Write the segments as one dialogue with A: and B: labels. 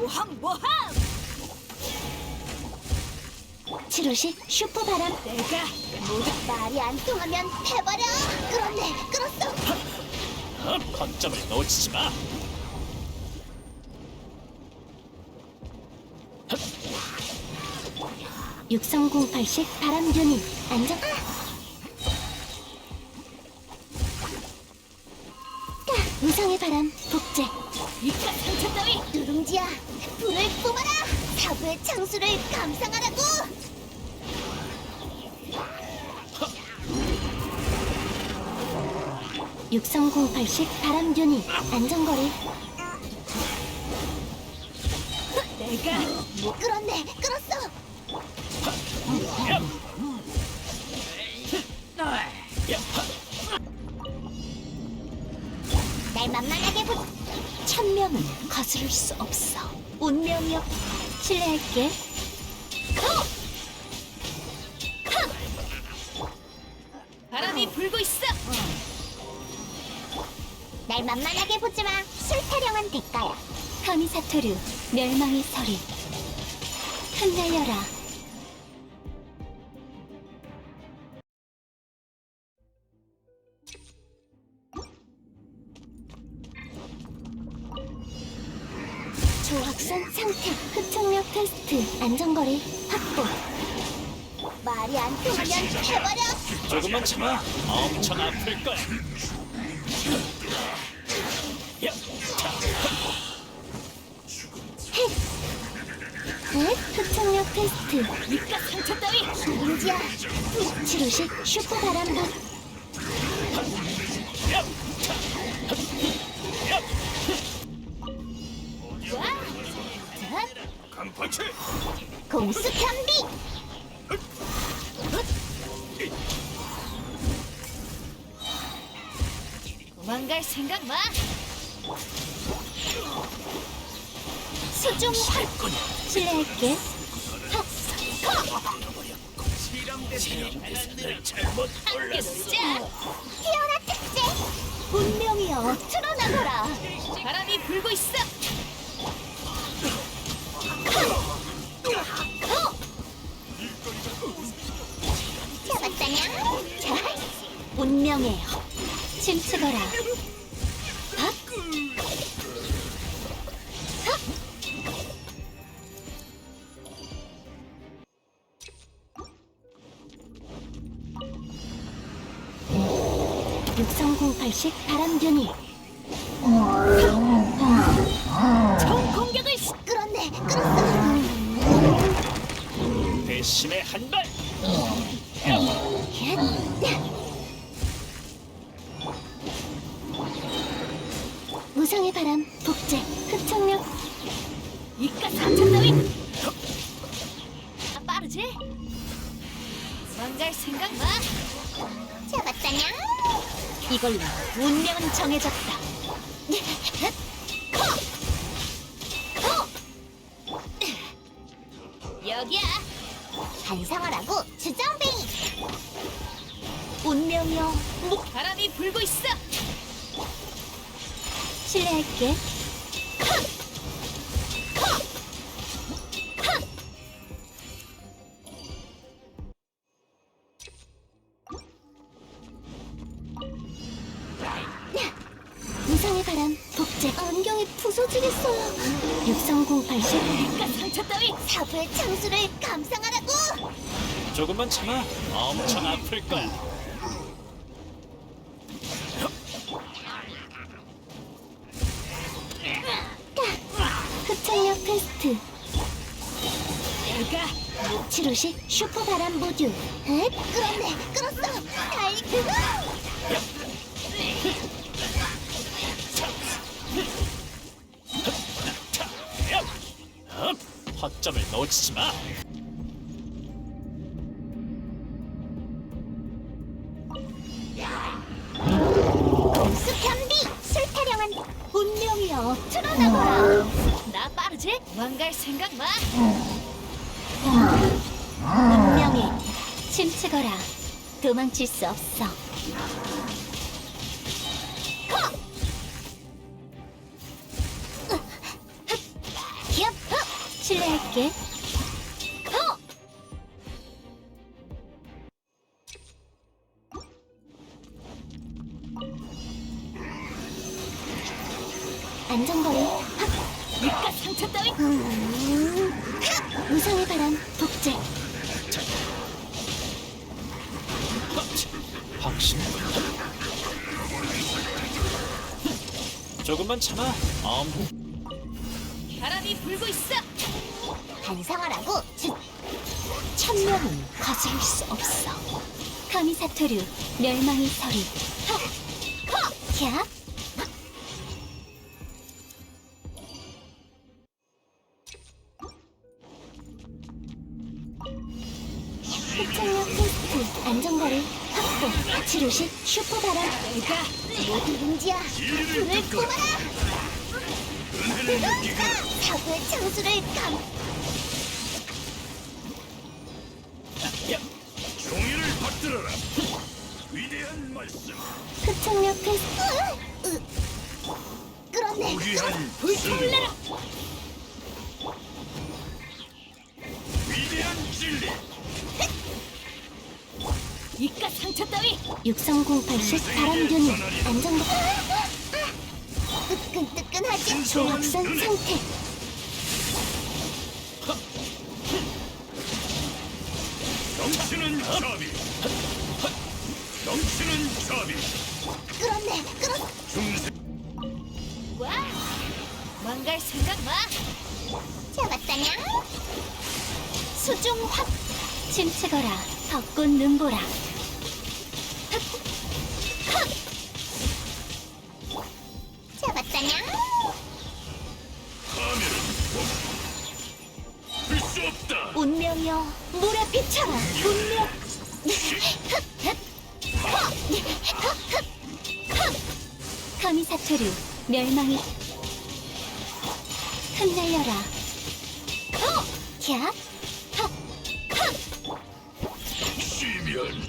A: 모함!
B: 치료식 슈퍼바람.
A: 내가 모두
B: 말이 안 통하면 해버려. 끌었네, 끌었어.
C: 거점을 놓치지 마.
B: 육성공팔식 바람균이 안정. 우상의 바람 복제.
A: 이깟 상처 따위
B: 누룽지야, 불을 뿜어라. 사부의 창수를 감상하라고. 육성공팔식 바람균이 안정거리.
A: 내가
B: 끌었네, 끌었어. 날 만만하게 보. 천명은 거스를 수 없어. 운명이여, 신뢰할게.
A: 바람이 불고 있어.
B: 날 만만하게 보지 마. 술타령한 대가야. 카미사토류, 멸망의 서리. 흩날려라. 조확산 상태. 흡착력 테스트. 안정거리 확보. 말이 안 통하면 해버려.
C: 조금만 참아. 엄청 아플 거야. 야,
B: 흡착력 테스트.
A: 이깟 상처 따위
B: 누룽지야. 치료식 슈퍼바람보.
A: 와
C: 강파치.
B: 공수 편비.
A: 도망갈 생각 마.
B: 수중 활. 실례할게.
C: 늘 잘못
A: 함께 놀자.
B: 태어나 특제. 운명이여, 드러나거라.
A: 바람이 불고 있어.
B: 잡았다냐? 자, 운명의 침치거라. 박. 육성공팔식 바람균이.
A: 총 공격을
B: 끌었네, 끌었어.
C: 배심의 한 발.
B: 무성의 바람 복제. 흡착력.
A: 이깟 상처 따위 빠르지? 도망갈 생각 마.
B: 잡았다냐? 이걸로 운명은 정해졌다.
A: 여기야.
B: 반성하라고, 주정뱅이. 운명이여,
A: 바람이 불고 있어.
B: 실례할게. 무상의 바람 복제. 안경이 부서지겠어요. 육성공팔식
A: 이깟 상처 따위
B: 사부의 창수를 감상하라고.
C: 조금만 참아. 엄청 아플 거야.
B: 흡착력 테스트.
A: 내가
B: 치료식 슈퍼바람 모듈. 끌었네, 끌었어. 아이고.
C: 허점을 놓치지 마.
B: 공수 편비. 술타령한 운명이여, 드러나거라.
A: 나 빠르지? 도망갈 생각 마.
B: 운명이 침치거라. 도망칠 수 없어. 기업. 실례할게. 안전거리 확.
A: 입가 상처 따위.
B: 무상의 바람 복제.
C: 확신. 조금만 참아.
A: 바람이 불고 있어.
B: 반성하라고. 천명은 거스를 수 없어. 카미사토류 멸망의 서리. 캬. 흡착력 테스트 안전거리 확보. 치료식 슈퍼바람.
A: 내가
B: 모두 문제야. 불을 뿜어라. 사고의 창수를 감.
D: 종이를 받들어라. 위대한 말씀.
B: 흡착력 테스트. 끌었네.
D: 귀한
A: 불타올라라.
D: 위대한 진리.
A: 입가 상처 따위.
B: 6008식 바람균이 안전거. 뜨끈뜨끈하지. 조합선 상태.
D: 넘치는 자비. 넘치는 자비.
B: 끌었네. 끌었.
D: 중세.
A: 와. 망갈 생각 마.
B: 잡았다냐? 수중 확. 침체거라. 벚꽃 눈보라. 잡았다냐?
D: 하늘은 볼수 없다.
B: 운명이여 물에 비쳐라. 운명. 카미사토류 멸망이 흩날려라. 캬.
D: 시면.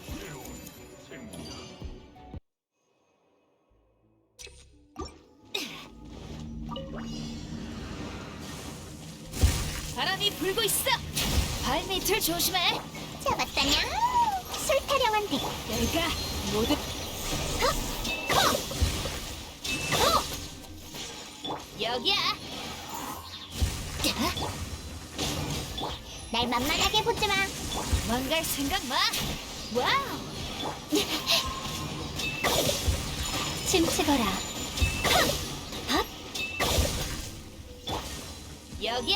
A: 바람이 불고 있어. 발밑을 조심해.
B: 잡았다냐? 술타령한 대.
A: 내가 모두 여기야.
B: 날 만만하게 보지 마.
A: 망갈 생각 마. 와우.
B: 침치거라.
A: 여기야.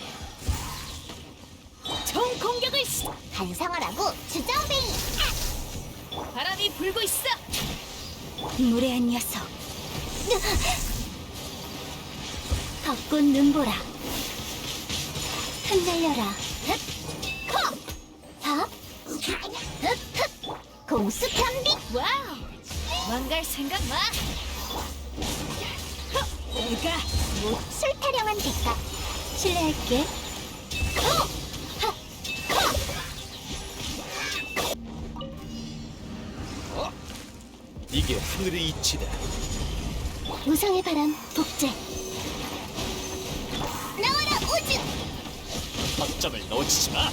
A: 총 공격을
B: 반성하라고 주정뱅이.
A: 바람이 불고 있어.
B: 무례한 녀석. 벚꽃 눈보라. 흩날려라. 밥. 공수 편비.
A: 와우. 망갈 생각 마. 내가
B: 술타령한 대가. 실례할게.
C: 이게 하늘의 이치다.
B: 무상의 바람 복제. 나와라 오즈.
C: 확점을 놓치지 마.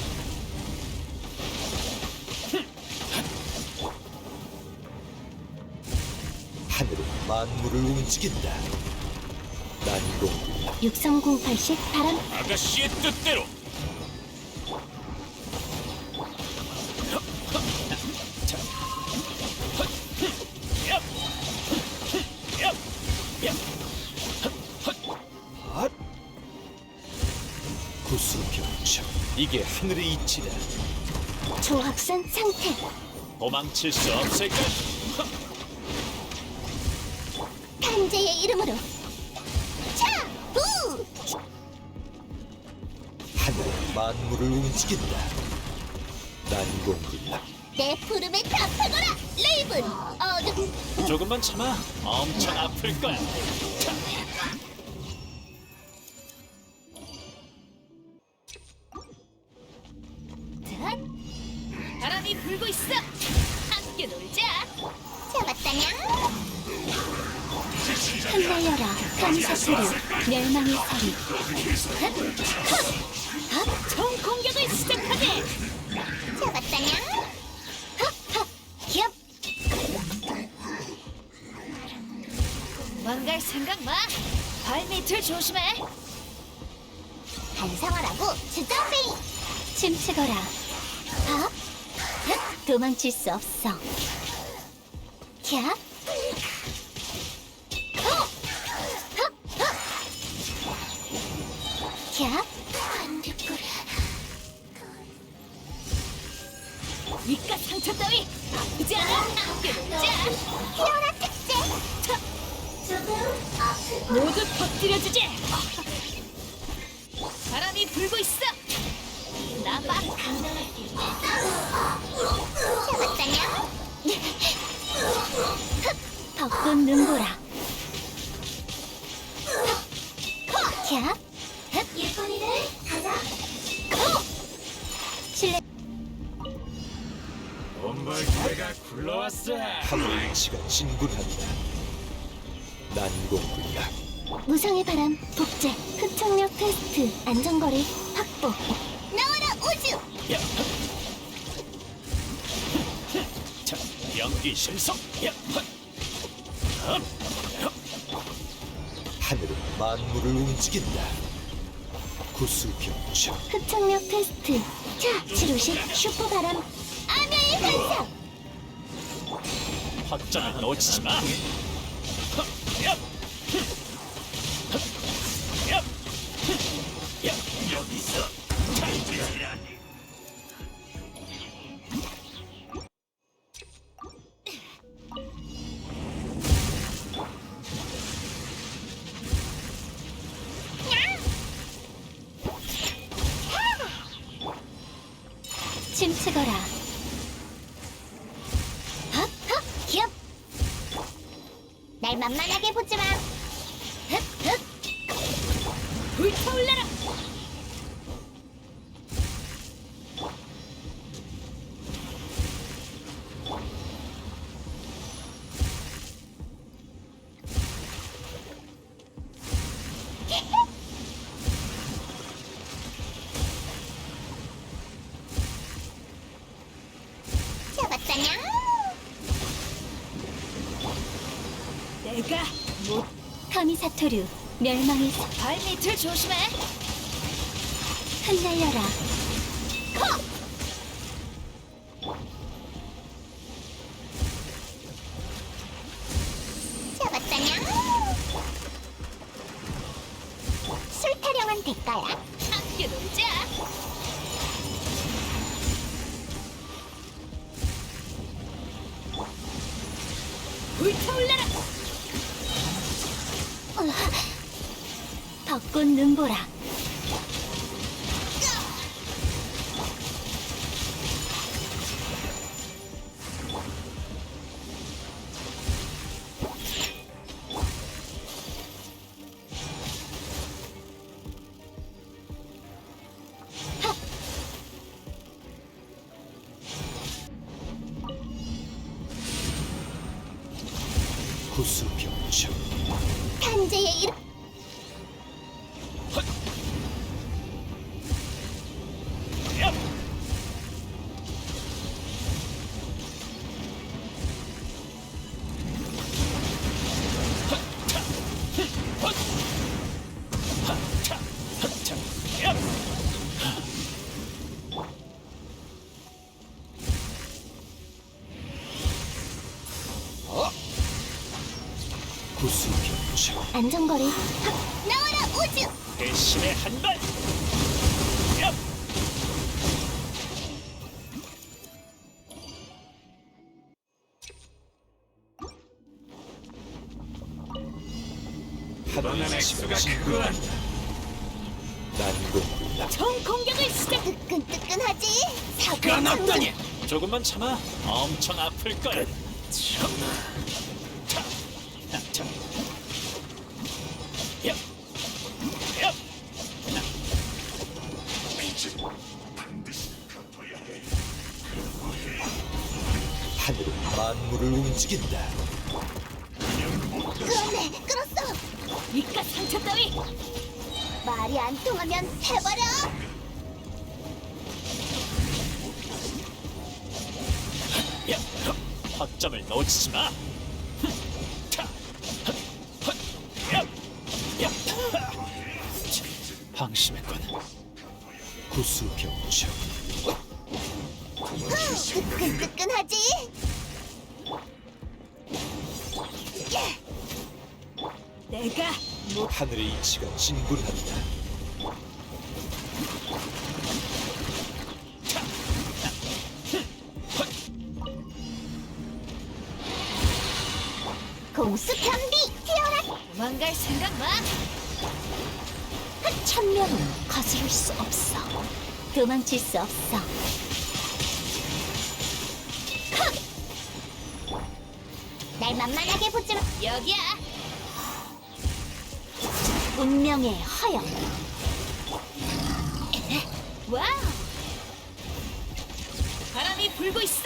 E: 하늘은 만물을 움직인다. 난공
B: 6008식 바람.
C: 아가씨의 뜻대로.
E: 구수병청. 이게 하늘의 이치다.
B: 조합선 상태.
C: 도망칠 수 없을까?
B: 탄재의 이름으로. 차! 우!
E: 하늘은 만물을 움직인다. 난공불락.
B: 내 부름에 답하거라! 레이븐! 어둠!
C: 조금만 참아. 엄청 아플 거야.
A: 바람이 불고 있어. 함께 놀자.
B: 잡았다냐? 흩날려라 감사소리 멸망의 소리
A: 총 공격을 시작하게.
B: 잡았다냐 핫핫 얍
A: 망갈 생각 마. 발밑을 조심해.
B: 반성하라고 주정뱅이 침치거라 핫 도망칠 수 없어 캬 캬
A: 이깟 상처 따위 아프지 않아. 자,
B: 피어나 특제
A: 모두 터뜨려주지. 바람이 불고 있어. 나봐.
B: 잡았다냐 벚꽃 눈보라 캬 예쁜이들 가자 실례
C: 본벌기가 굴러왔어.
E: 하늘의 이치가 진군한다. 난공불락.
B: 무성의 바람 복제 흡착력 테스트 안전거리 확보 나와라 우주
C: 야. 자, 연기 신속. 야.
E: 하늘은 만물을 움직인다. 구수병청.
B: 흡착력 테스트 자 치료식 슈퍼바람 암야의 환상
C: 확장을 놓치지 마. 야. 야. 야. 여기서
B: 침치거라 헉헉 힙! 날 만만하게 보지마 흑흑
A: 불타올라라.
B: 잡았다냐
A: 내가 못.
B: 카미사토류 멸망의 소
A: 발밑을 조심해.
B: 흩날려라 잡았다냐 술 타령한 대가야
A: 함께 놀자. 불타올라라.
B: 벚꽃 눈보라
E: 구수병청.
B: 탄재의 이름
C: 야. 야.
E: 구수병청.
B: 안전거리 확 나와라 우주
C: 배신의 한 발. 야.
E: 하늘의 이치가 진군한다. 난공불락.
A: 총 공격을 시작.
B: 뜨끈뜨끈하지
C: 가 났다니. 조금만 참아. 엄청 아플 거야. 자. 자. 야. 야.
E: 하늘은 만물을 움직인다.
B: 끌었네 끌었어
A: 이깟 상처 따위.
B: 말이 안 통하면 해버려.
C: 야, 허점을 놓치지 마. 방심했군.
E: 구수병청.
B: 뜨끈뜨끈하지.
A: 내가
E: 하늘의 이치가 진군한다.
B: 공수 편비 튀어라.
A: 도망갈 생각 마.
B: 천명은 거스를 수 없어. 도망칠 수 없어. 날 만만하게 보지 마.
A: 여기야.
B: 운명의 허영.
A: 와우. 바람이 불고 있어.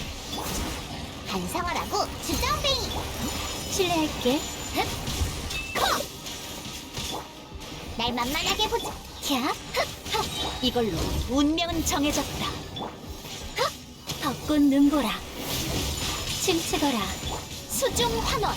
B: 반성하라고 주정뱅이. 실례할게. 날 만만하게 보지. 캬. 이걸로 운명은 정해졌다. 벚꽃 눈보라. 춤추거라. 수중 환원.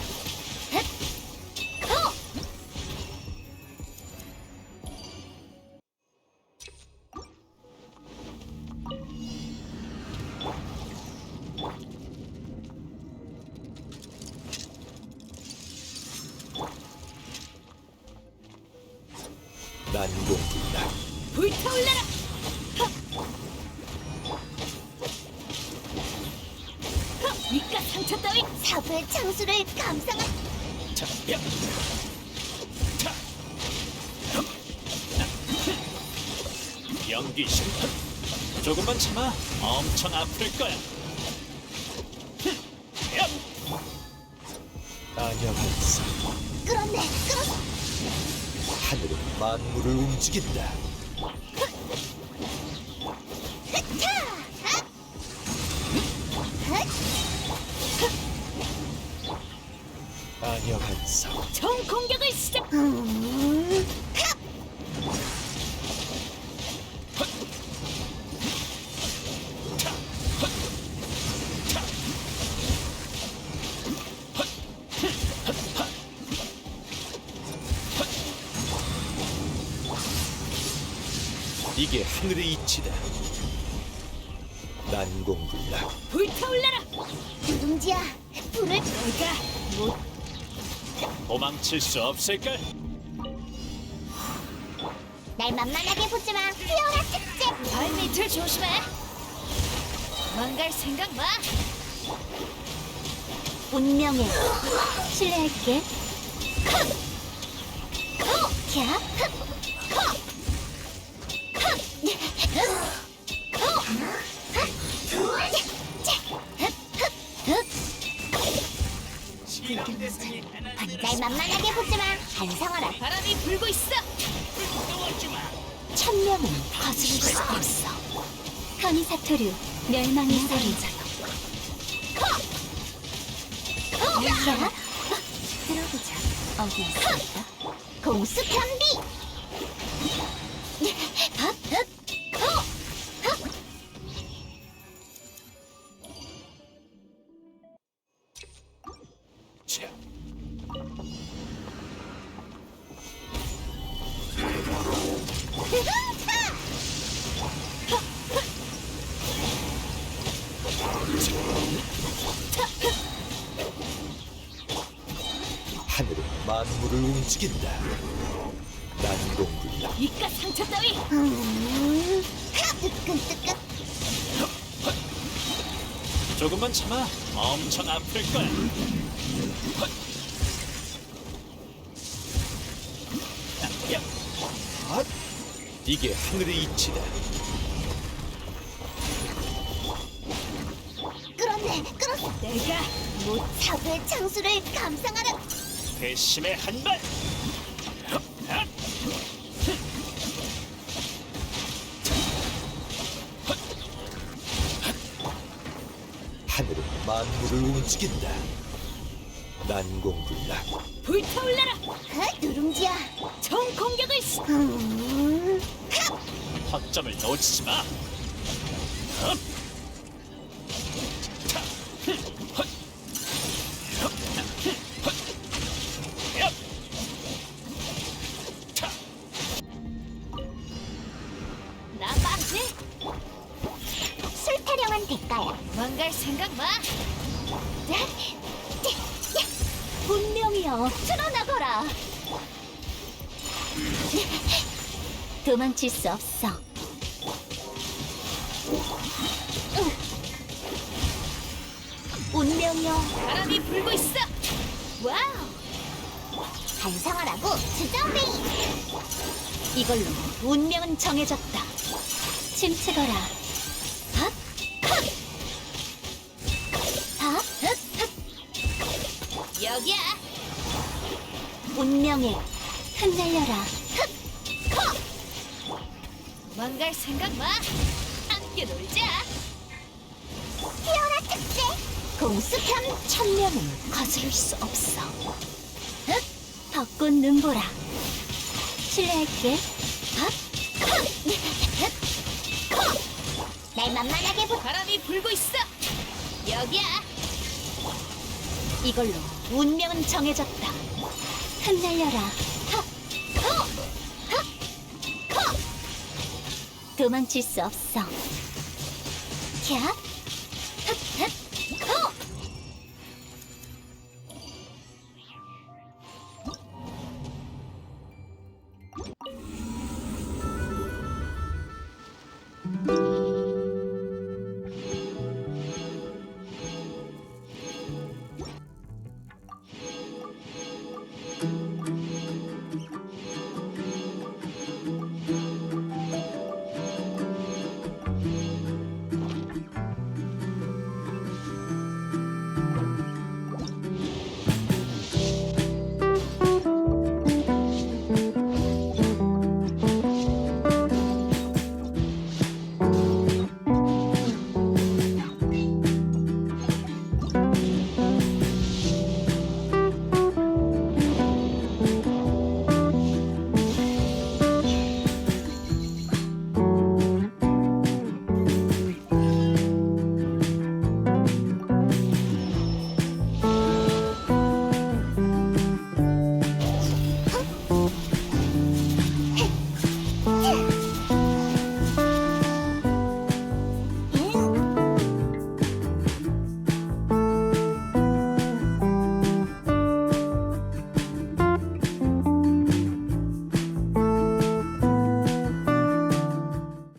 E: 난공불락.
A: 불타올라라. 이깟 상처 따위.
B: 사부의 창수를 감상한.
C: 자, 야. 자. 연기 심판. 조금만 참아. 엄청 아플 거야. 야.
E: 안녕한사.
B: 끌었네. 끌었어.
E: 하늘은 만물을 움직인다. 안녕한사.
A: 총 공격을 시작.
E: 이게 하늘의 이치다. 난공불락.
A: 불타올라라.
B: 누룽지야, 불을.
A: 내가 못.
C: 도망칠 수 없을걸?
B: 날 만만하게 보지 마. 피어라 특제.
A: 발밑을 조심해. 도망갈 생각 마.
B: 운명의 실례할게. 캬. 날 만만하게 보지 마. 반성하라.
A: 바람이 불고 있어.
B: 천명은 거스를 수 없어. 카미사토류 멸망의 살인자여. 야, 들어보자. 어디 있을까? 공수 편비.
C: 자,
E: 하늘은 만물을 움직인다. 난공불락.
A: 이깟 상처 따위.
B: 뜨끈뜨끈.
C: 조금만 참아. 엄청 아플 거야. 야.
E: 이게 하늘의 이치다.
B: 끌었네. 끌었어.
A: 내가 못.
B: 사부의 창수를 감상하라.
C: 배심의 한 발.
E: 하늘은 만물을 움직인다. 난공불락.
A: 불타올라라.
B: 누룽지야.
A: 총 공격을 시.
C: 허점을 놓치지 마.
A: 나 빠지.
B: 술 타령한 대가야.
A: 망갈 생각 마.
B: 분명히요. 드러나거라. 도망칠 수 없어. 운명이여.
A: 바람이 불고 있어. 와우.
B: 반성하라고 주정뱅이. 이걸로 운명은 정해졌다. 침체거라. 핫! 컷! 핫!
A: 여기야.
B: 운명에 흩날려라.
A: 망갈 생각 마. 함께 놀자.
B: 피어나 특제. 공수편 천명은 거스를 수 없어. 벚꽃 눈보라. 실례할게. 날 만만하게 보.
A: 바람이 불고 있어. 여기야.
B: 이걸로 운명은 정해졌다. 흩날려라. 도망칠 수 없어. 캬.